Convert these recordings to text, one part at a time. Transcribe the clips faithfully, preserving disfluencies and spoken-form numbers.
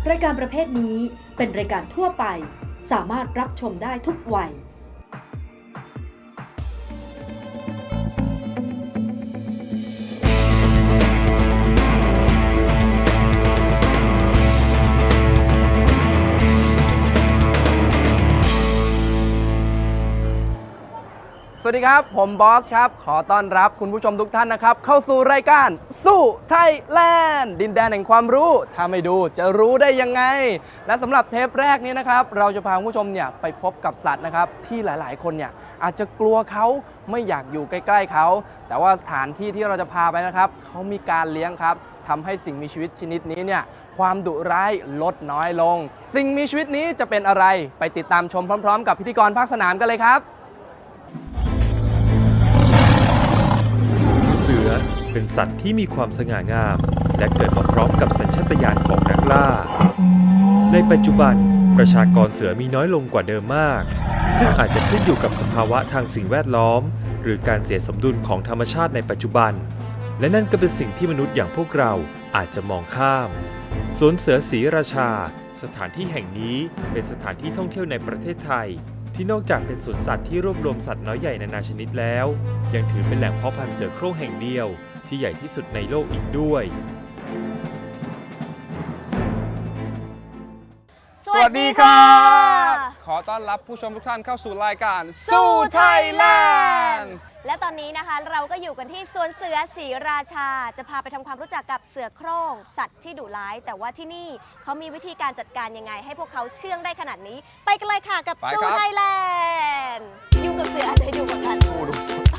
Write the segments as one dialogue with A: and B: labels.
A: รายการประเภทนี้เป็นรายการทั่วไปสามารถรับชมได้ทุกวัย
B: สวัสดีครับผมบอสครับขอต้อนรับคุณผู้ชมทุกท่านนะครับเข้าสู่รายการสู้ไทยแลนด์ดินแดนแห่งความรู้ถ้าไม่ดูจะรู้ได้ยังไงและสำหรับเทปแรกนี้นะครับเราจะพาคุณผู้ชมเนี่ยไปพบกับสัตว์นะครับที่หลายๆคนเนี่ยอาจจะกลัวเขาไม่อยากอยู่ใกล้ๆเขาแต่ว่าสถานที่ที่เราจะพาไปนะครับเขามีการเลี้ยงครับทำให้สิ่งมีชีวิตชนิดนี้เนี่ยความดุร้ายลดน้อยลงสิ่งมีชีวิตนี้จะเป็นอะไรไปติดตามชมพร้อมๆกับพิธีกรภาคสนามกันเลยครับ
C: เสือเป็นสัตว์ที่มีความสง่างามและเกิดมาพร้อมกับสัญชาตญาณของนักล่าในปัจจุบันประชากรเสือมีน้อยลงกว่าเดิมมากซึ่งอาจจะขึ้นอยู่กับสภาวะทางสิ่งแวดล้อมหรือการเสียสมดุลของธรรมชาติในปัจจุบันและนั่นก็เป็นสิ่งที่มนุษย์อย่างพวกเราอาจจะมองข้ามสวนเสือศรีราชาสถานที่แห่งนี้เป็นสถานที่ท่องเที่ยวในประเทศไทยที่นอกจากเป็นสวนสัตว์ที่รวบรวมสัตว์น้อยใหญ่นานาชนิดแล้วยังถือเป็นแหล่งเพาะพันธุ์เสือโคร่งแห่งเดียวที่ใหญ่ที่สุดในโลกอีกด้วย
B: สวัสดีครับขอต้อนรับผู้ชมทุกท่านเข้าสู่รายการสู้ไทยแลนด์
D: และตอนนี้นะคะเราก็อยู่กันที่สวนเสือศรีราชาจะพาไปทำความรู้จักกับเสือโคร่งสัตว์ที่ดุร้ายแต่ว่าที่นี่เขามีวิธีการจัดการยังไงให้พวกเขาเชื่องได้ขนาดนี้ไปกันเลยค่ะกับสู้ไทยแลนด์อยู่กับเสืออันไหนอยู่กับกันผู้ดูสด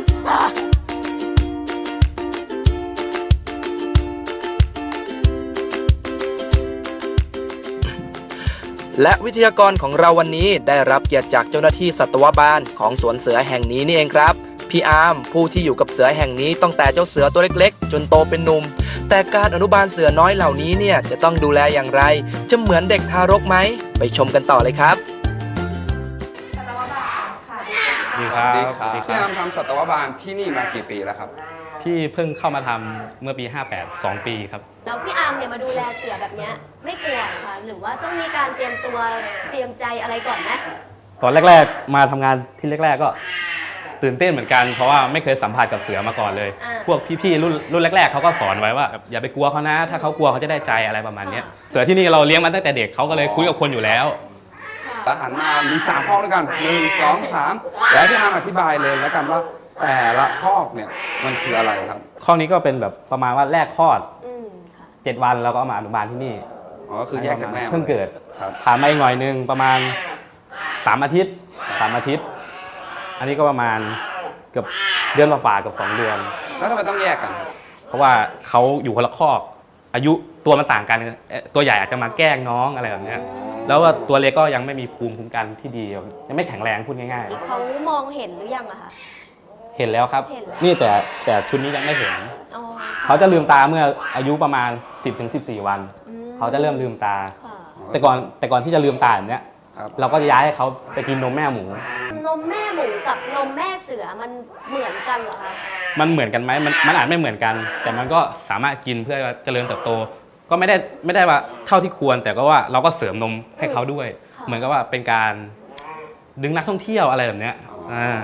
B: และวิทยากรของเราวันนี้ได้รับเกียรติจากเจ้าหน้าที่สัตวบาลของสวนเสือแห่งนี้นี่เองครับพี่อาร์มผู้ที่อยู่กับเสือแห่งนี้ตั้งแต่เจ้าเสือตัวเล็กๆจนโตเป็นหนุ่มแต่การอนุบาลเสือน้อยเหล่านี้เนี่ยจะต้องดูแลอย่างไรจะเหมือนเด็กทารกไหมไปชมกันต่อเลยครับ
D: สัตวบาลค่ะ
E: ดีครับ
F: พี่อาร์มทำสัตวบาลที่นี่มากี่ปีแล้วครับ
E: ที่เพิ่งเข้ามาทำเมื่อปีห้าแปด สองปีครับ
D: แล้วพี่อาร์มเนี่ยมาดูแลเสือแบบนี้ไม่กลัวค่ะหรือว่าต้องมีการเตรียมตัวเตรียมใจอะไรก่อนไหม
E: ตอนแรกๆมาทำงานที่แรกๆก็ตื่นเต้นเหมือนกันเพราะว่าไม่เคยสัมผัสกับเสือมาก่อนเลยพวกพี่ๆรุ่นรุ่นแรกๆเขาก็สอนไว้ว่าอย่าไปกลัวเขานะถ้าเขากลัวเขาจะได้ใจอะไรประมาณนี้เสือที่นี่เราเลี้ยงมาตั้งแต่เด็กเขาก็เลยคุยกับคนอยู่แล้ว
F: ทหารมามีสามข้อด้วยกันหนึ่งสองสามแล้วพี่อาร์มอธิบายเลยแล้วกันว่าแต่ละข้อเนี่ยมันคืออะไรครับ
E: ข้อนี้ก็เป็นแบบประมาณว่าแรกคลอดเจ็ดวันเราก็เอามาอนุบาลที่นี่
F: อ๋อคือแยกจากแม่
E: เพิ่งเกิดผ่านมาอีกหน่อยนึงประมาณสามอาทิตย์สามอาทิตย์อันนี้ก็ประมาณเกือบเดือนฝ่าๆกับสองเดือน
F: แล้วทำไมต้องแยกกัน
E: เพราะว่าเขาอยู่คนละคอกอายุตัวมันต่างกันตัวใหญ่อาจจะมาแกล้งน้องอะไรแบบนี้แล้วว่าตัวเล็กก็ยังไม่มีภูมิคุ้มกันที่ดียังไม่แข็งแรงพูดง่าย
D: ๆเขามองเห็นหรือยังอะคะ
E: เห็นแล้วครับนี่แต่แต่ชุดนี้ยังไม่เห็นเขาจะลืมตาเมื่ออายุประมาณ สิบถึงสิบสี่ วันเขาจะเริ่มลืมตาแต่ก่อนแต่ก่อนที่จะลืมตาแบบเนี้ยเราก็จะย้ายให้เขาไปกินนมแม่หมู
D: นมแม่หมูกับนมแม่เสือมันเหมือนกันเหรอคะ
E: มันเหมือนกันไหมมันมันอาจไม่เหมือนกันแต่มันก็สามารถกินเพื่อเจริญเติบโตก็ไม่ได้ไม่ได้ว่าเท่าที่ควรแต่ก็ว่าเราก็เสริมนมให้เขาด้วยเหมือนกับว่าเป็นการดึงนักท่องเที่ยวอะไรแบบเนี้ยอ่า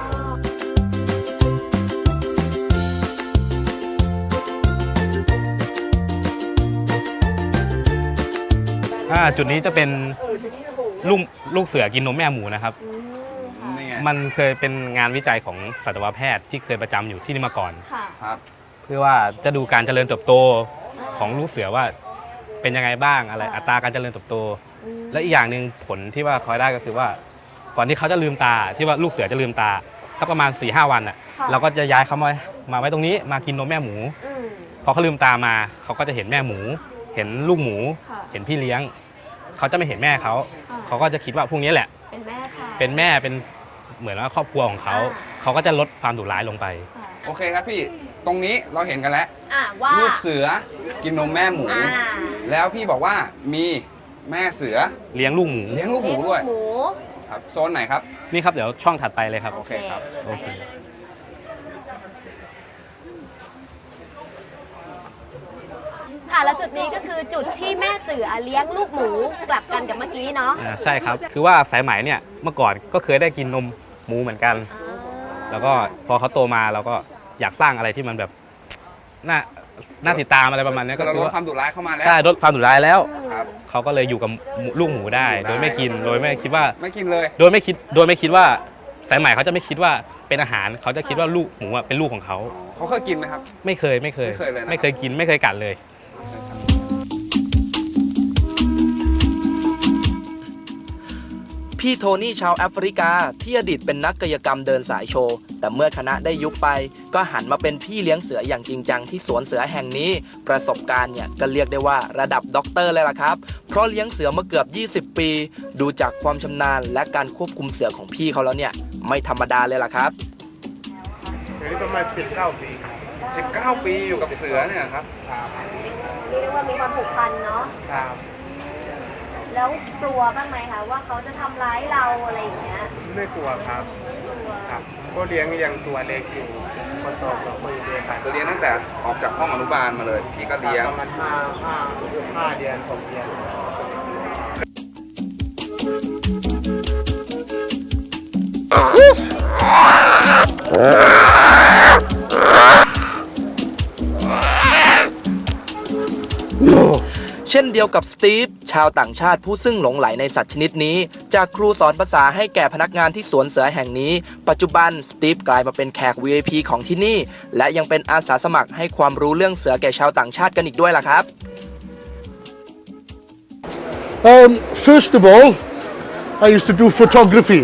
E: จุดนี้จะเป็นลูกลูกเสือกินนมแม่หมูนะครับมันเคยเป็นงานวิจัยของสัตวแพทย์ที่เคยประจำอยู่ที่นี่มาก่อนเพื่อว่าจะดูการเจริญเติบโตของลูกเสือว่าเป็นยังไงบ้างอะไรอัตราการเจริญเติบโตและอีกอย่างหนึ่งผลที่ว่าคอยได้ก็คือว่าก่อนที่เขาจะลืมตาที่ว่าลูกเสือจะลืมตาสักประมาณ สี่ห้า วันอ่ะเราก็จะย้ายเขามามาไว้ตรงนี้มากินนมแม่หมูพอเขาลืมตามาเขาก็จะเห็นแม่หมูเห็นลูกหมูเห็นพี่เลี้ยงเขาจะไม่เห็นแม่เขาเขาก็จะคิดว่าพวกนี้แหละ
D: เป็นแม่ค่ะ
E: เป็นแม่เป็นเหมือนว่าครอบครัวของเขาเขาก็จะลดความดุร้ายลงไป
F: โอเคครับพี่ตรงนี้เราเห็นกันแล้ว
D: ว่า
F: ลูกเสือกินนมแม่หมูแล้วพี่บอกว่ามีแม่เสือ
E: เลี้ยงลูกหมู
F: เลี้ยงลูกหมูด้วยครับโซนไหนครับ
E: นี่ครับเดี๋ยวช่องถัดไปเลยครับ
F: โอเคครับโอเค
D: พค่ะแล้วจุดนี้ก็คือจุดที่แม่เสือเลี้ยงลูกหมูกลับกันกับเมื่อกี้เนาะ
E: อ่าใช่ครับคือว่าสายไหมเนี่ยเมื่อก่อนก็เคยได้กินนมหมูเหมือนกัน แล้วก็พอเขาโตมาเราก็อยากสร้างอะไรที่มันแบบน่าน่าติดตามอะไรประมาณนี้
F: ก็
E: ก็
F: ล
E: คือ
F: ด
E: ว่า
F: ความดุร้ายเข้ามาแล้ว
E: ใช่ลดความดุร้ายแล้ว
F: ครับ
E: เขาก็เลยอยู่กับลูกหมูได้ โดยไม่กินโดยไม่คิดว่า
F: ไม่กินเลย
E: โดยไม่คิดโดยไม่คิดว่าสายไหมเขาจะไม่คิดว่าเป็นอาหารเขาจะคิดว่าลูกหมูอะเป็นลูกของเขา
F: เขาเคยกินไหมครับ
E: ไม่เคยไม่เคย
F: ไม่เคยเลยนะ
E: ไม่เคยกินไม่เคยกัดเลย
B: พี่โทนี่ชาวแอฟริกาที่อดีตเป็นนักกายกรรมเดินสายโชว์แต่เมื่อคณะได้ยุบไป ก็หันมาเป็นพี่เลี้ยงเสืออย่างจริงจังที่สวนเสือแห่งนี้ ประสบการณ์เนี่ยก็เรียกได้ว่าระดับด็อกเตอร์เลยล่ะครับเพราะเลี้ยงเสือมาเกือบยี่สิบปี ดูจากความชำนาญและการควบคุมเสือของพี่เขาแล้วเนี่ยไม่ธรรมดาเลยล่ะครับ
G: เดี๋ยวนี้ประมาณสิบเก้าปี
F: สิบเก้า ปีอยู่กับเสือเนี่ยครับ
D: เรียกว่ามีความผูกพันเนาะ
G: ครับ
D: แล้วกลัวบ้างไหมคะว่าเขาจะทำร้ายเราอะไรอย่างเงี้ย
G: ไม่กลัวครับ
D: กลัว
G: ครับก็เลี้ยงยังตัวเล็กอยู่คนโตก็คุยเรียนกัน
F: คือเลี้ยงตั้งแต่ออกจากห้องอนุบาลมาเลย พี่ก็เลี้ยง
G: ประมาณห้าห้าห้าเดือนหกเดือน
B: เช่นเดียวกับสตีฟชาวต่างชาติผู้ซึ่งหลงไหลในสัตว์ชนิดนี้ จากครูสอนภาษาให้แก่พนักงานที่สวนเสือแห่งนี้ ปัจจุบันสตีฟกลายมาเป็นแขก วี ไอ พี ของที่นี่ และยังเป็นอาสาสมัครให้ความรู้เรื่องเสือแก่ชาวต่างชาติกันอีกด้วยล่ะครับ
H: Um, first of all, I used to do photography,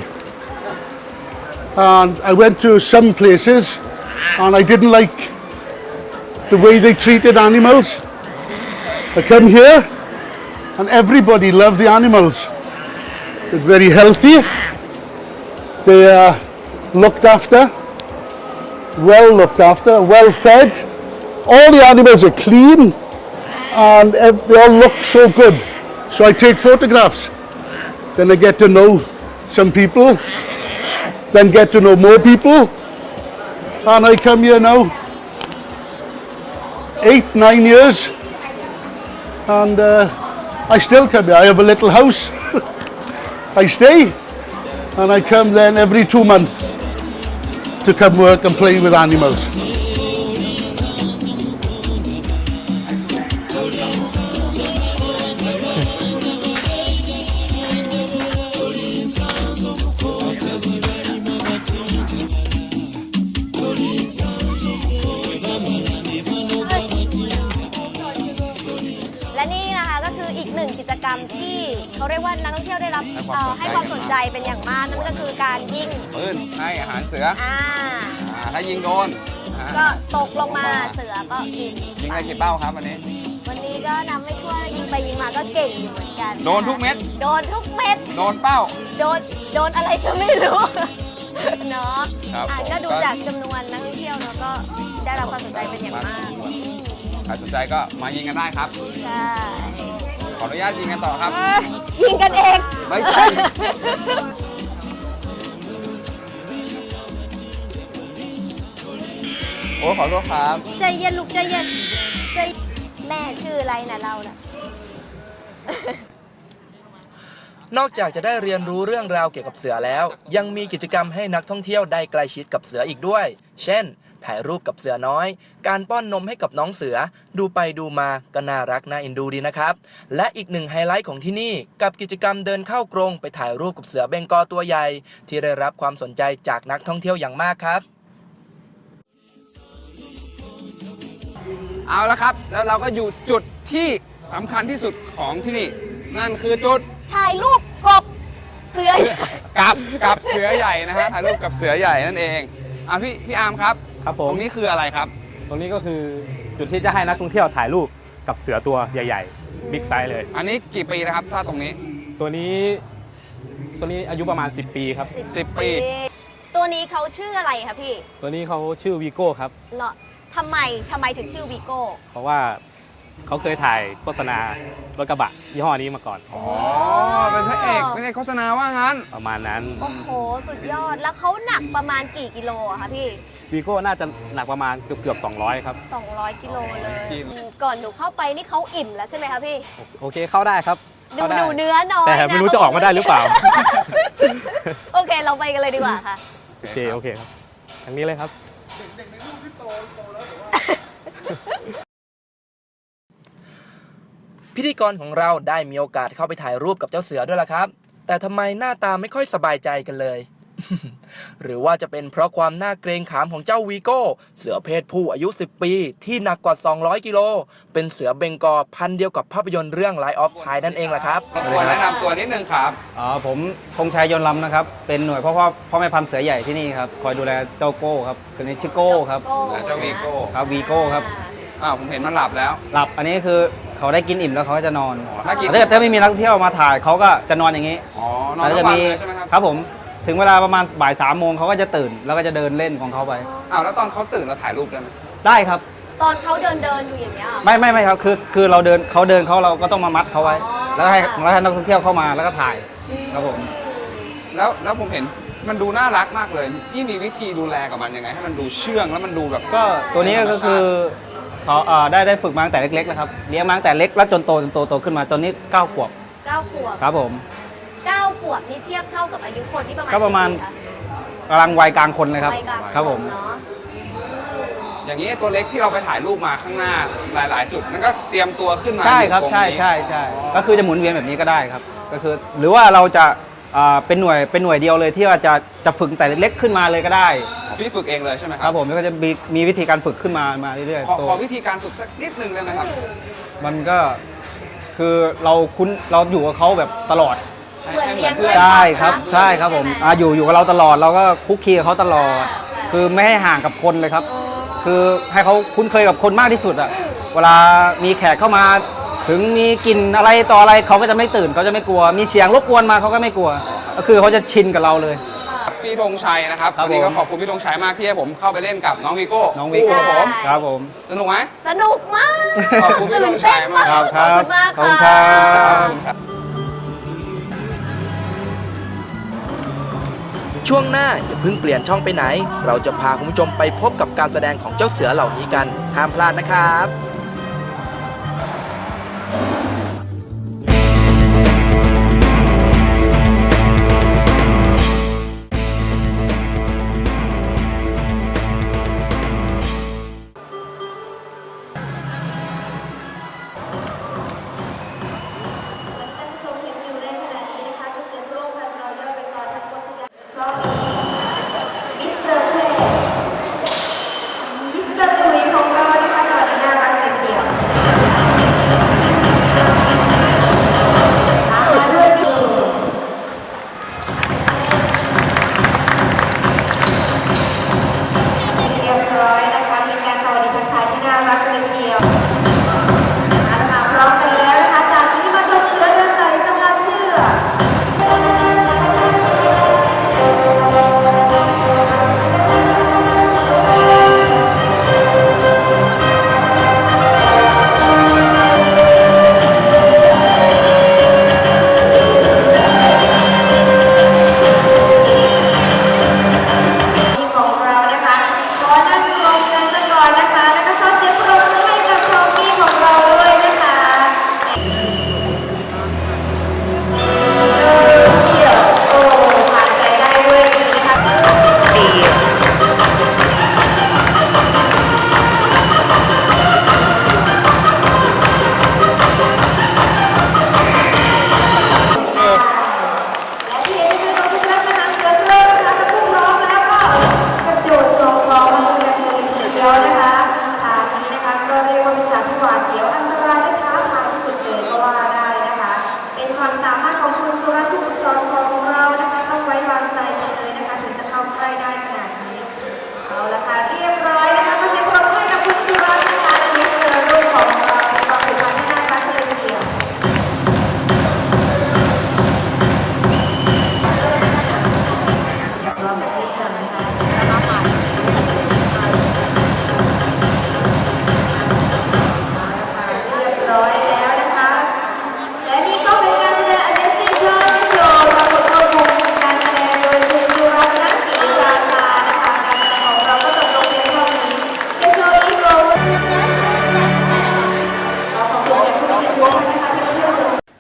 H: and I went to some places, and I didn't like the way they treated animals. I come here, and everybody loved the animals. They're very healthy. They are looked after, well looked after, well fed. All the animals are clean, and ev- they all look so good. So I take photographs. Then I get to know some people, then get to know more people, and I come here now eight, nine years, and uh, I still come here. I have a little house. I stay, and I come then every two months to come work and play with animals.
D: และนี่นะคะก็คืออีกหนึ่งกิจกรรมที่เขาเรียกว่านักท่องเที่ยวได้รับเอ่อให้ความสนใจเป็นอย่างมากนั่นก็คือการยิง
F: ปืนให้อาหารเสือ
D: อ่า
F: อ่าถ้ายิงโดนอ่า
D: ก็ตกลงมาเสือก็กิน
F: ยิงได้กี่เป้าครับวันนี้
D: วันนี้ก็นำไม่ทั่วยิงไปยิงมาก็เก่งอยู่เหมือนกัน
F: โดนทุกเม็ด
D: โดนทุกเม็ด
F: โดนเป้า
D: โดนโดนอะไรก็ไม่รู้ เนาะ
F: ครับ
D: อ่ะ
F: ผม
D: ก็ดู
F: ก็
D: จากจำนวนนักท่องเที่ยวเนาะก็ได้รับความสนใจเป็นอย่างมาก
F: ใครสนใจก็มายิงกันได้ครับ
D: ใช่
F: ขออนุญาตยิงกันต่อครับ
D: เอ้ยยิงกันเอง
F: ไม่ใช่ โอ้ขอโทษครับ
D: ใจเย็นลูกใจเย็นใจแม่ชื่ออะไรนะเราน่ะ
B: นอกจากจะได้เรียนรู้เรื่องราวเกี่ยวกับเสือแล้ว ยังมีกิจกรรมให้นักท่องเที่ยวได้ใกล้ชิดกับเสืออีกด้วย เช่น ถ่ายรูปกับเสือน้อย การป้อนนมให้กับน้องเสือ ดูไปดูมาก็น่ารักน่าเอ็นดูดีนะครับ และอีกหนึ่งไฮไลท์ของที่นี่กับกิจกรรมเดินเข้ากรงไปถ่ายรูปกับเสือเบงกอลตัวใหญ่ ที่ได้รับความสนใจจากนักท่องเที่ยวอย่างมากครับ
F: เอาละครับ แล้วเราก็อยู่จุดที่สำคัญที่สุดของที่นี่ นั่นคือจุด
D: ถ่ายรูปกบเสือ
F: กับกับเสือใหญ่นะฮะถ่ายรูปกับเสือใหญ่นั่นเองอ่ะพี่พี่อาร์มครับ
E: ครับผม
F: ตรงนี้คืออะไรครับ
E: ตรงนี้ก็คือจุดที่จะให้นักท่องเที่ยวถ่ายรูปกับเสือตัวใหญ่ๆบิ๊กไซส์เลย
F: อันนี้กี่ปีนะครับถ้าตรงนี้
E: ตัวนี้ตัวนี้อายุประมาณ สิบ ปีครับ
F: สิบปี
D: ตัวนี้เขาชื่ออะไรคะพี่
E: ตัวนี้เขาชื่อวีโก้ครับ
D: เหรอทำไมทำไมถึงชื่อวีโก้
E: เพราะว่าเขาเคยถ่ายโฆษณารถกระบะยี่ห้อนี้มาก่อน
F: อ๋อ เป็นพระเอกเป็นเอกโฆษณาว่างั้น
E: ประมาณนั้น
D: โอ้โห สุดยอด แล้วเขาหนักประมาณกี่กิโลอะคะพี่
E: วีโก้น่าจะหนักประมาณเกือบเกือบสองร้อยครับ
D: สองร้อยกิโลเลยก่อนหนูเข้าไปนี่เขาอิ่มแล้วใช่ไหมคะพี่
E: โอเคเข้าได้ครับ
D: ดู
E: เข้าได้
D: ดูเนื้อน้อย
E: แต่ไม่รู้จะออกมาได้หรือเปล่า
D: โอเคเราไปกันเลยดีกว่าค่ะ
E: โอเคโอเคครับทางนี้เลยครับ
B: พิธีกรของเราได้มีโอกาสเข้าไปถ่ายรูปกับเจ้าเสือด้วยล่ะครับ แต่ทำไมหน้าตาไม่ค่อยสบายใจกันเลย หรือว่าจะเป็นเพราะความน่าเกรงขามของเจ้าวีโก้เสือเพศผู้อายุสิบปีที่หนักกว่าสองร้อยกิโลเป็นเสือเบงกอลพันธุ์เดียวกับภาพยนตร์เรื่อง Light of Pi นั่นเองล่ะครับ
F: รบกวนแนะนำตัวนิดนึงครับ
I: อ๋อผมธงชัยยนต์ลำนะครับ เป็นหน่วยพ่อพ่อพ่อแม่พันธุ์เสือใหญ่ที่นี่ครับ คอยดูแลเจ้าโก้ครับคนนี้ชื่อโก้ครับ
F: และเจ้าวีโก้
I: ครับวีโก้ครับ
F: อ้าวผมเห็นมันหลับแล้ว
I: หลับอันนี้คือเขาได้กินอิ่มแล้วเขาก็จะนอน
F: อ๋อถ้ากิน
I: ถ้าเกิดถ้าไม่มีนักท่องเที่ยวมาถ่ายเขาก็จะนอนอย่างนี้
F: อ๋อนอน
I: แล้ว
F: ทั้
I: จะ
F: งวัน
I: มี
F: เลยใช่ไหมครับ
I: ครับผมถึงเวลาประมาณบ่ายสามโมงเขาก็จะตื่น แล้วก็จะเดินเล่นของเขาไป
F: อ้าวแล้วตอนเขาตื่นเราถ่ายรูปได้ไหม
I: ได้ครับ
D: ตอนเขาเดินเดินอยู่อย่างเงี้ยเหรอ
I: ไม่ไม่ไม่ครับคือคือเราเดินเขาเดินเขาเราก็ต้องมามัดเขาไว้ แล้วให้แล้วให้นักท่องเที่ยวเข้ามาแล้วก็ถ่ายครับผม
F: แล้วแล้วผมเห็นมันดูน่ารักมากเลยนี่มีวิธีดูแลกับมันยังไง ให้มันดูเชื่องแล้วมันดูแบบ
I: ก็ตัวนี้ก็คือเขาเอ่อได้ได้ฝึกมาตั้งแต่เล็กๆแล้วครับเลี้ยงมาตั้งแต่เล็กแล้วจนโตจนโตโตขึ้นมาตอนนี้เก้าขวบ
D: เก้าขวบ
I: ครับผม
D: เก้าขวบนี่เทียบเท่ากับอายุคนที่ประมาณ
I: ก็ประมาณ
D: กี่ปีค
I: กำลังวัยกลางคนเลยครับ
D: วัยกลาง
I: ครับผม
D: เนาะ
F: อย่างนี้ตัวเล็กที่เราไปถ่ายรูปมาข้างหน้าหลาย ๆ จุดนั่นก็เตรียมตัวขึ้นมา
I: ใช่ครับ
F: อยู่ตง
I: ใช่
F: นี้
I: ใช่ใช่ก็คือจะหมุนเวียนแบบนี้ก็ได้ครับก็คือหรือว่าเราจะอ่าเป็นหน่วยเป็นหน่วยเดียวเลยที่ว่าจะจะฝึกแต่เล็กๆขึ้นมาเลยก็ได้
F: พี่ฝึกเองเลยใช่ไหมค
I: ค
F: รั
I: รับผมแล้วก็จะมีมีวิธีการฝึกขึ้นมามาเรื่อย
F: ขอ
I: ๆตัว
F: ขอวิธีการฝึกสักนิดนึงได้ไหมครับ
I: มันก็คือเราคุ้นเราอยู่กับเขาแบบตลอด
F: ให้
D: เหมือน
F: ให้เหมื
D: เลี้
F: อย น
D: ง
F: เพื่อน
I: ใช่ครับใช่ครับผมอ่าอยู่อยู่กับเราตลอดเราก็คุกคีกับเขาตลอด คือไม่ให้ห่างกับคนเลยครับ คือให้เขาคุ้นเคยกับคนมากที่สุดอะเวลามีแขกเข้ามาถึงมีกลิ่นอะไรต่ออะไรเขาก็จะไม่ตื่นเขาจะไม่กลัว มีเสียงรบกวนมาเขาก็ไม่กลัว ก็คือเขาจะชินกับเราเลย
F: พี่ธงชัยนะครับ
I: ครับ
F: วันนี้ก็
I: ผม
F: ขอบคุณพี่ธงชัยมากที่ให้ผมเข้าไปเล่นกับน้องวีโก้
I: น้องวิโก้
F: คู่กับผม
I: ครับผม
F: สนุกไหม
D: สนุกมาก
F: ขอบคุณพี่ธงชัยมาก
D: ตื่นเต้น
I: ครับ
D: ขอบคุณมาก
I: ขอบคุณ
D: ค่ะ
I: ครับ
B: ช่วงหน้าอย่าเพิ่งเปลี่ยนช่องไปไหน เราจะพาคุณผู้ชมไปพบกับการแสดงของเจ้าเสือเหล่านี้กัน ห้ามพลาดนะครับ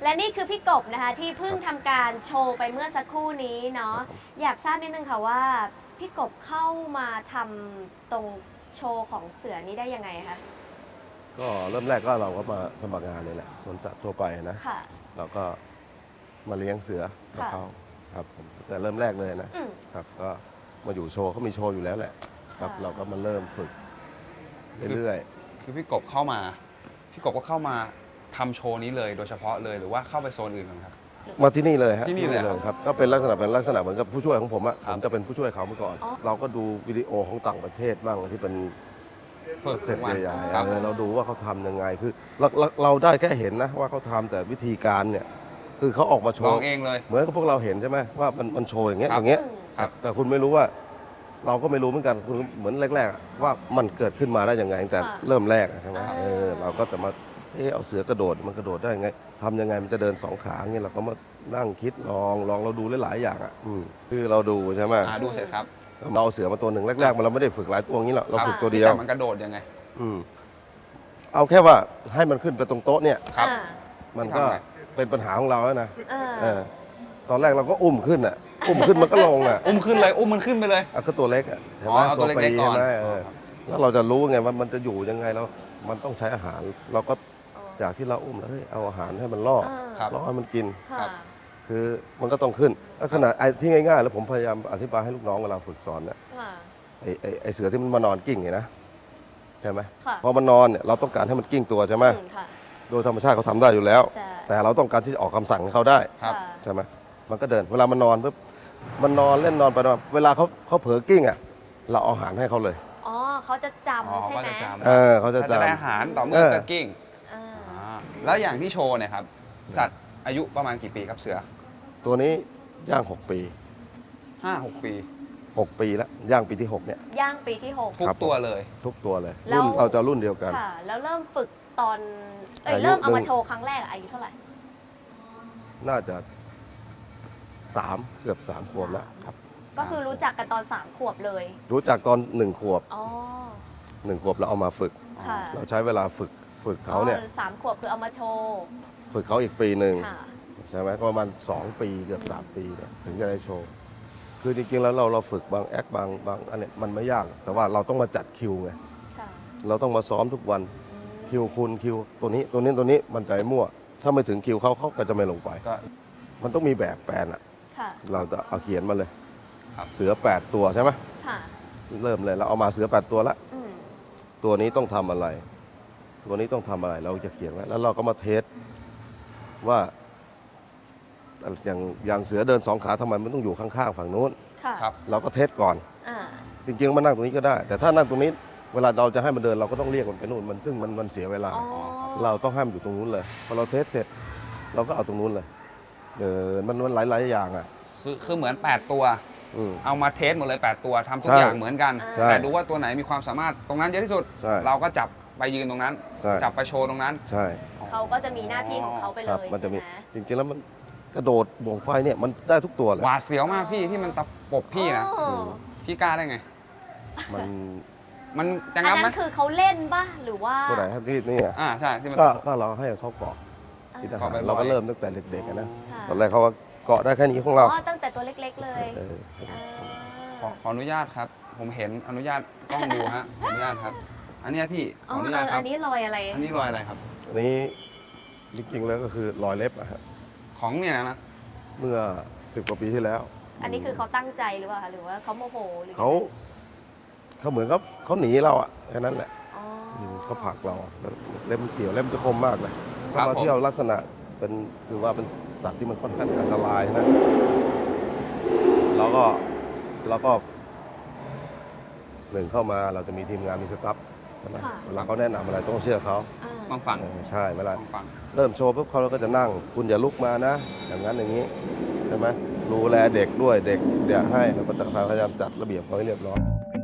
D: และนี่คือพี่กบนะคะที่เพิ่งทำการโชว์ไปเมื่อสักครู่นี้เนาะอยากทราบนิดนึงค่ะว่าพี่กบเข้ามาทำตรงโชว์ของเสือนี้ได้ยังไงคะ
J: ก็เริ่มแรกก็เราก็มาสมัครงานเลยแหละสวนสัตว์ทั่วไปนะ
D: ค่ะ
J: เราก็มาเลี้ยงเสือกับ
D: ค่ะ
J: เขาครับผมแต่เริ่มแรกเลยนะ
D: อืม
J: ครับก็มาอยู่โชว์เขามีโชว์อยู่แล้วแหละครับ
D: ค่ะ
J: เราก็มาเริ่มฝึกเรื่อย
F: คือพี่กบเข้ามา พี่กบก็เข้ามาทำโชว์นี้เลยโดยเฉพาะเลยหรือว่าเข้าไปโซนอื่นก่อนครับ
J: ๆมาที่นี่เลยฮะ
F: ที่นี่เลย
J: ครับก็เป็นลักษณะเป็นลักษณะเหมือนกับผู้ช่วยของผมอะ
F: ครั
J: ผ
F: บ
J: มจะเป็นผู้ช่วยเขาเมื่อก่อน
D: อ๋อ
J: เราก็ดูวิดีโอของต่างประเทศบ้างที่เป็น
F: ฝึก
J: เสร็จ
F: วัน
J: ใหญ่ๆ
F: ครับ
J: เออเราดูว่าเขาทำยังไงคือเราเราเราได้แค่เห็นนะว่าเขาทำแต่วิธีการเนี่ยคือเขาออกมาโช
F: ลอ
J: ว์
F: งเองเลย
J: เหมือนกับพวกเราเห็นใช่ไหมว่ามันมันโชว์อย่างเงี้ย
F: ครับ
J: อย่างเงี้ย
F: ครับ
J: แต่คุณไม่รู้ว่า เราก็ไม่รู้เหมือนกันคุณเหมือนแรกๆอะว่ามันเกิดขึ้นมาได้ยังไงตั้งแต่
D: ค่ะ
J: เริ่มแรกอะใช่ไหม
D: อ่า
J: เออเราก็จะมาเออเอาเสือกระโดดมันกระโดดได้ยังไงทำยังไงมันจะเดินสองขาเงี้ยเราก็มานั่งคิดลองลองเราดูหลายๆอย่างอ่ะอืมคือเราดูใช่ไหม
F: อ่าดูเสร็จครับ
J: เราเอาเสือมาตัวหนึ่งแรกๆมันเราไม่ได้ฝึกหลายตัวอย่างนี้หรอกเรา
F: ครับ
J: ฝึกตัวเดียว
F: พี่จับมันกระโดดยังไง
J: อืมเอาแค่ว่าให้มันขึ้นไปตรงโต๊ะเนี่ย
F: ครับ
D: อ่า
J: มันก็
F: ทำไง
J: เป็นปัญหาของเราแล้วนะ
D: อ่า
J: เออตอนแรกเราก็อุ้มขึ้นอ่ะ อุ้มขึ้นมันก็ลงอ่ะ
F: อุ้มขึ้นเลยอุ้มมันขึ้นไปเลย
J: อ่ะก็ตัวเล็กอ่ะใช่ไหม
F: อ๋อเอาตัวเล็กๆก่อน
J: ใช่ไหมเออ
F: ครับ
J: แล้วเราจะรู้ไงว่ามันจะอยู่ยังไงแล้วมันต้องใช้อาหาร เราก็จากที่เราอุ้มแล้วเฮ้ยเอาอาหารให้มันล่อ
D: อ่า
F: ครับ
J: ล่อให้มันกิน
D: ค่ะ
J: คือมันก็ต้องขึ้นลักษณะไอ้ที่ง่ายๆ แล้วผมพยายามอธิบายให้ลูกน้องเวลาฝึกสอนเนี่ย
D: ค่ะ
J: ไอ้ไอ้ไอ้เสือที่มันมานอนกิ้งไงนะใช่ไหม
D: ค่ะ
J: พอมันนอนเนี่ยเราต้องการให้มันกิ้งตัวใช่ไหม
D: อืมค่ะ
J: โดยธรรมชาติเขาทำได้อยู่แล้ว
D: ใช่
J: แต่เราต้องการที่จะออกคำสั่งให้เขาได้
F: ครับ
D: ค่ะ
J: ใช่ไหมมันก็เดิน เวลามันนอนปุ๊บ มันนอนเล่นนอนไปนอนเวลาเขาเขาเผลอกิ้งอ่ะ เราเอาอาหารให้เขาเลย
D: อ๋อเขาจะจ
F: อ๋อ
D: ำใช่
F: ก็
D: ไหม
F: จะจำ
J: เออเขาจะ
F: ถ้าจะได้
J: จำ
F: อาหารต่อเมื่
J: เอ
F: อ
J: อ
F: เกิดกิ้ง
D: อ่า
F: อ่าแล้วอย่างที่โชว์เนี่ยครับ สัตว์อายุประมาณกี่ปีครับเสือ
J: ตัวนี้ย่างหกปี
F: ห้าหกปี
J: หกปีแล้ว ย่างปีที่หกเนี่ย
D: ย่างปีที่หก
F: ทุก
J: ครับ
F: ตัวเลย
J: ทุกตัวเลย
D: แล้ว
J: รุ่นเราจะรุ่นเดียวกัน
D: ค่ะ แล้วเริ่มฝึกตอน เอ้ย
J: อายุ
D: เริ่มเอา
J: หนึ่
D: มาง โชว์ครั้งแรกอะอายุเท่าไหร่
J: น่าจะสามเกือบสามขวบแล้วครับ
D: ก็คือรู้จักกันตอนสามขวบเลย
J: รู้จักตอนหนึ่งขวบ
D: อ๋อ
J: หนึ่งขวบเราเอามาฝึก
D: ค่ะ
J: เราใช้เวลาฝึกฝึกเขาเนี่ย
D: อ๋อสามขวบคือเอามาโชว์
J: ฝึกเขาอีกปีหนึ่ง
D: ค่ะ
J: ใช่ไหมก็ประมาณสองปีเกือบสามปีเนี่ยถึงจะได้โชว์ คือจริงๆแล้วเราเราฝึกบางแอคบางบางอันเนี้ยมันไม่ยาก แต่ว่าเราต้องมาจัดคิวไง
D: ค่ะ
J: เราต้องมาซ้อมทุกวัน
D: อืม
J: คิวคุณคิวตัวนี้ตัวนี้ตัวนี้มันใจมั่ว ถ้าไม่ถึงคิวเขาเขาก็จะไม่ลงไป
F: ก็
J: มันต้องมีแบบแปลนอ่ะ
D: ค่ะ
J: เราจะเอาเขียนมาเลย
F: ครับ
J: เสือแปดตัวใช่ไหม
D: ค่ะ
J: เริ่มเลยเราเอามาเสือแปดตัวละ
D: อืม
J: ตัวนี้ต้องทำอะไร ตัวนี้ต้องทำอะไรเราจะเขียนไว้แล้วเราก็มาเทสว่าอย่างอย่างเสือเดินสองขาทำไมมันต้องอยู่ข้างๆฝั่งนู้น
D: ค่ะ
F: ครับ
J: เราก็เทสก่อน
D: อ่า
J: จริงๆมันนั่งตรงนี้ก็ได้ แต่ถ้านั่งตรงนี้เวลาเราจะให้มันเดินเราก็ต้องเรียกมันไปนู่นมันซึ่งมันมันเสียเวลา
D: อ๋อ
J: เราต้องให้มันอยู่ตรงนู้นเลยพอเราเทสเสร็จ เราก็เอาตรงนู้นเลยเดินมันมันหลายๆอย่างอ่ะ
F: คือคือเหมือน แปด ตัว
J: อืม
F: เอามาเทสหมดเลย แปด ตัวทำทุก
J: ใช่
F: อย่างเหมือนกัน
J: ใช่
F: แต่ดูว่าตัวไหนมีความสามารถตรงนั้นเยอะที่สุด
J: ใช่
F: เราก็จับไปยืนตรงนั้น
J: ใช่
F: จับไปโชว์ตรงนั้น
J: ใช่
D: เขาก็จะมีหน้าที่ของเขาไป
J: ค
D: เล
J: รับ
D: ย
J: มันจะมี
D: ใช่ไหม
J: จริงๆแล้วมันกระโดดบ่วงไฟเนี่ยมันได้ทุกตัวเลย
F: หวาดเสียวมากพี่ที่มันตะปบพี่นะ
D: อ๋อ
F: พี่กล้าได้ไง
J: มัน
F: มันจะ
D: อัน
F: งับไหม
D: นั้นคือเขาเล่นป่ะ หรือว่า
J: ตัวไหนที่นี่อ่ะ
F: อ่าใช่ที่มัน
J: ก็
F: ตะปบ
J: ก็เราให้เขาเกาะที่ทหาร
F: เกาะบ่อยๆ
J: เราก็เริ่มตั้งแต่เด็กๆอะนะ
D: ค่ะ
J: ตอนแรกเขาก็เกาะได้แค่นี้ของ
D: อ๋
J: เรา
D: อ ตั้งแต่ตัวเล็กๆเลย
J: เออ
F: ขอขออนุญาตครับ ผมเห็นอนุญาตกล้องดูฮะขออนุญาตครับ อันเนี้ยพี่ข
D: อ๋
F: อ
D: อ
F: อนุ
D: เอ
F: ญาต
D: อ
F: ครั
D: อั
F: บ
D: นนี้รอยอะไร
F: อันนี้รอยอะไรครับ
J: อันนี้จริงๆแล้วก็คือรอยเล็บอะฮะ
F: ของเนี่ยนะ
J: เมื่อสิบกว่าปีที่แล้ว
D: อันนี้คือเขาตั้งใจหรือเปล่าคะหรือว่าเขาโมโหหรือ
J: เขาเขาเหมือนกับเขาหนีเราอะแค่นั้นแหละ
D: อ๋อ
J: อืมเขาผลักเราอะแล้วเล็บมันเกี่ยวเล็บมันจะคมมากเลย
F: ครั
J: ถ้า
F: บ
J: เรา
F: ผม
J: เที่ยวลักษณะเป็นคือว่าเป็นสัตว์ที่มันค่อนข้างอันตรายนะเราก็เราก็หนึ่งเข้ามาเราจะมีทีมงานมีสตาฟใช่ไหม
D: ค่ะ
J: เวลาเขาแนะนำอะไรต้องเชื่อเขา
D: อ่า
F: บางฝั่ง
J: เออใช่เวลา
F: บางฝั่ง
J: เริ่มโชว์ปุ๊บเขาก็จะนั่ง คุณอย่าลุกมานะ อย่างนั้นอย่างนี้ใช่ไหมดูแลเด็กด้วยเด็กเดี๋ยวให้เราก็จะพยายามจัดระเบียบเขาให้เรียบร้อย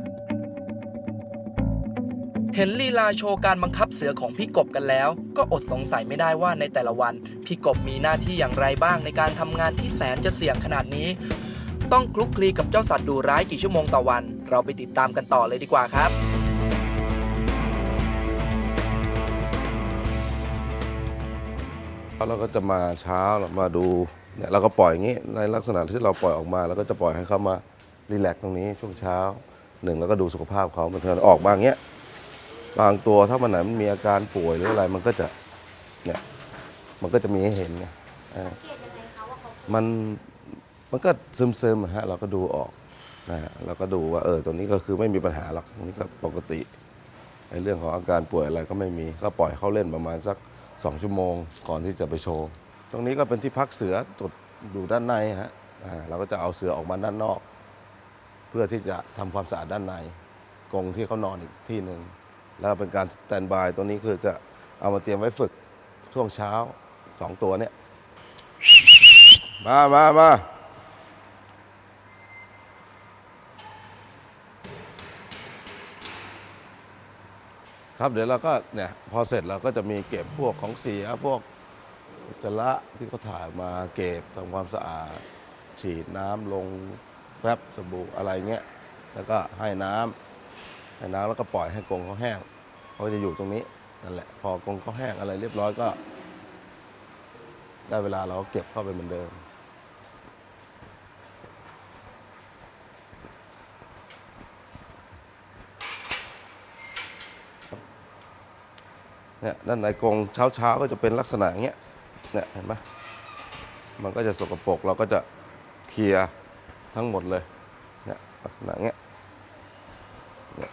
B: เห็นลีลาโชว์การบังคับเสือของพี่กบกันแล้ว ก็อดสงสัยไม่ได้ว่าในแต่ละวัน พี่กบมีหน้าที่อย่างไรบ้างในการทำงานที่แสนจะเสี่ยงขนาดนี้ ต้องคลุกคลีกับเจ้าสัตว์ดุร้ายกี่ชั่วโมงต่อวัน เราไปติดตามกันต่อเลยดีกว่าครับ
J: คเราก็จะมาเช้าเรามาดูเนี่ยเราก็ปล่อยอย่างนี้ในลักษณะที่เราปล่อยออกมาเราก็จะปล่อยให้เขามารีแลกซ์ตรงนี้ช่วงเช้าหนึ่งแล้วก็ดูสุขภาพเขามันเทินออกมาอย่างเงี้ยบางตัวถ้ามันไหนมันมีอาการป่วยหรืออะไรมันก็จะเนี่ยมันก็จะมีให้เห็นไงมันมันก็ซึมๆฮะเราก็ดูออกนะฮะเราก็ดูว่าเออตัวนี้ก็คือไม่มีปัญหาหรอกตรงนี้ก็ปกติในเรื่องของอาการป่วยอะไรก็ไม่มีก็ปล่อยเขาเล่นประมาณสักสองชั่วโมงก่อนที่จะไปโชว์ตรงนี้ก็เป็นที่พักเสือจุดอยู่ด้านในฮะเราก็จะเอาเสือออกมาด้านนอกเพื่อที่จะทำความสะอาดด้านในกรงที่เขานอนอีกที่หนึ่งแล้วเป็นการสแตนบายตัวนี้คือจะเอามาเตรียมไว้ฝึกช่วงเช้าสองตัวเนี่ยมามามาครับเดี๋ยวเราก็เนี่ยพอเสร็จเราก็จะมีเก็บพวกของเสียพวกอุจจาระที่เขาถ่ายมาเก็บทำความสะอาดฉีดน้ำลงแฟบสบู่อะไรเงี้ยแล้วก็ให้น้ำให้น้ำแล้วก็ปล่อยให้กรงเขาแห้งเขาจะอยู่ตรงนี้นั่นแหละพอกรงเขาแห้งอะไรเรียบร้อยก็ได้เวลาเราก็เก็บเข้าไปเหมือนเดิมเนี่ยด้านในกรงเช้าเช้าก็จะเป็นลักษณะอย่างเงี้ยเนี่ยเห็นไหมมันก็จะสกปรกเราก็จะเคลียร์ทั้งหมดเลยเนี่ยลักษณะเงี้ยเนี่ย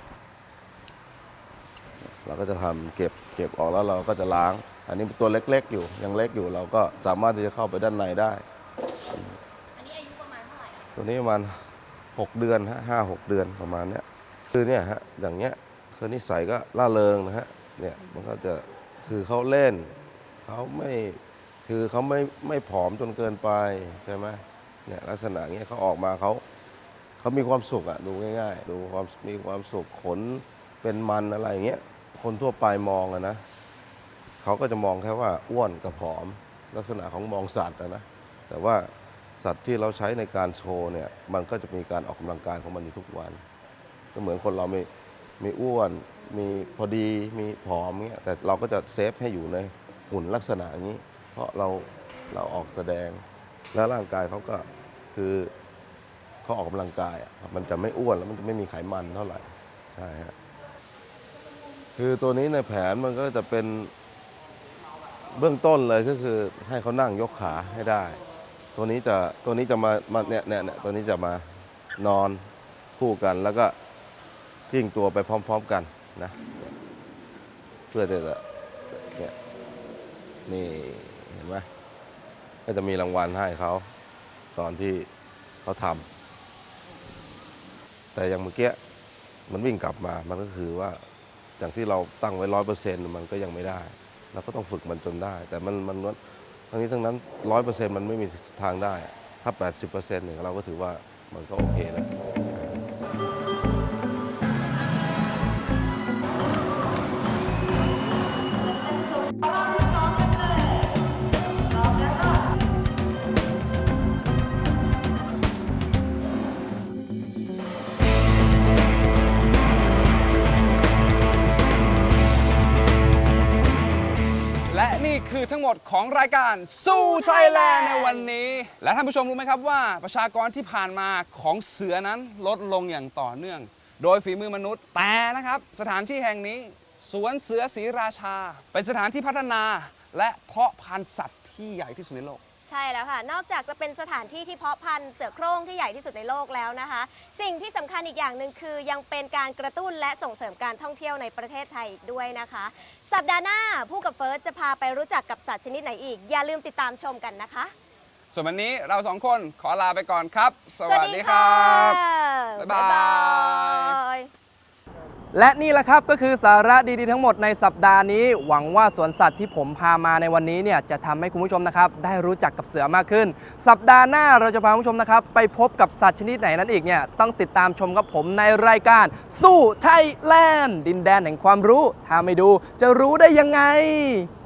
J: เราก็จะทำเก็บเก็บออกแล้วเราก็จะล้างอันนี้เป็นตัวเล็กๆอยู่ยังเล็กอยู่เราก็สามารถที่จะเข้าไปด้านในได้อันนี้อายุประมาณเท่าไหร่ตัวนี้ประมาณหกเดือนฮะห้าหกเดือนประมาณเนี้ยคือเนี่ยฮะอย่างเงี้ยคือนิสัยก็ล่าเริงนะฮะเนี่ยมันก็จะคือเขาเล่นเขาไม่คือเขาไม่ไม่ผอมจนเกินไปใช่ไหมเนี่ยลักษณะเงี้ยเขาออกมาเขาเขามีความสุขอะดูง่ายๆดูความมีความสุขขนเป็นมันอะไรเงี้ยคนทั่วไปมองอะนะเขาก็จะมองแค่ว่าอ้วนกับผอมลักษณะของมองสัตว์นะแต่ว่าสัตว์ที่เราใช้ในการโชว์เนี่ยมันก็จะมีการออกกำลังกายของมันอยู่ทุกวันก็เหมือนคนเรามีมีอ้วนมีพอดีมีผอมเงี้ยแต่เราก็จะเซฟให้อยู่ในหุ่นลักษณะอย่างนี้เพราะเราเราออกแสดงแล้วร่างกายเขาก็คือเขาออกกำลังกายอ่ะมันจะไม่อ้วนแล้วมันจะไม่มีไขมันเท่าไหร่ใช่ฮะคือตัวนี้ในแผนมันก็จะเป็นเบื้องต้นเลยก็คือให้เขานั่งยกขาให้ได้ตัวนี้จะตัวนี้จะมามาเนี่ยเนี่ยตัวนี้จะมานอนคู่กันแล้วก็ทิ้งตัวไปพร้อมๆกันนะเพื่อจะเนี่ยนี่เห็นไหมก็จะมีรางวัลให้เขาตอนที่เขาทำแต่อย่างเมื่อกี้มันวิ่งกลับมามันก็คือว่าอย่างที่เราตั้งไว้ร้อยเปอร์เซ็นต์มันก็ยังไม่ได้เราก็ต้องฝึกมันจนได้แต่มันมันทั้งนี้ทั้งนั้นร้อยเปอร์เซ็นต์มันไม่มีทางได้ถ้าแปดสิบเปอร์เซ็นต์เนี่ยเราก็ถือว่ามันก็โอเคแล้ว
B: คือทั้งหมดของรายการสู้ไทยแลนด์ในวันนี้และท่านผู้ชมรู้ไหมครับว่าประชากรที่ผ่านมาของเสือนั้นลดลงอย่างต่อเนื่องโดยฝีมือมนุษย์แต่นะครับสถานที่แห่งนี้สวนเสือศรีราชาเป็นสถานที่พัฒนาและเพาะพันธุ์สัตว์ที่ใหญ่ที่สุดในโลก
D: ใช่แล้วค่ะนอกจากจะเป็นสถานที่ที่เพาะพันธุ์เสือโคร่งที่ใหญ่ที่สุดในโลกแล้วนะคะสิ่งที่สำคัญอีกอย่างหนึ่งคือยังเป็นการกระตุ้นและส่งเสริมการท่องเที่ยวในประเทศไทยอีกด้วยนะคะสัปดาห์หน้าผู้กับเฟิร์สจะพาไปรู้จักกับสัตว์ชนิดไหนอีกอย่าลืมติดตามชมกันนะคะ
B: ส่วนวันนี้เราสองคนขอลาไปก่อนครับสวัสดีครับบ๊ายบายและนี่แหละครับก็คือสาระดีๆทั้งหมดในสัปดาห์นี้หวังว่าสวนสัตว์ที่ผมพามาในวันนี้เนี่ยจะทำให้คุณผู้ชมนะครับได้รู้จักกับเสือมากขึ้นสัปดาห์หน้าเราจะพาคุณผู้ชมนะครับไปพบกับสัตว์ชนิดไหนนั้นอีกเนี่ยต้องติดตามชมกับผมในรายการสู้ไทยแลนด์ดินแดนแห่งความรู้ถ้าไม่ดูจะรู้ได้ยังไง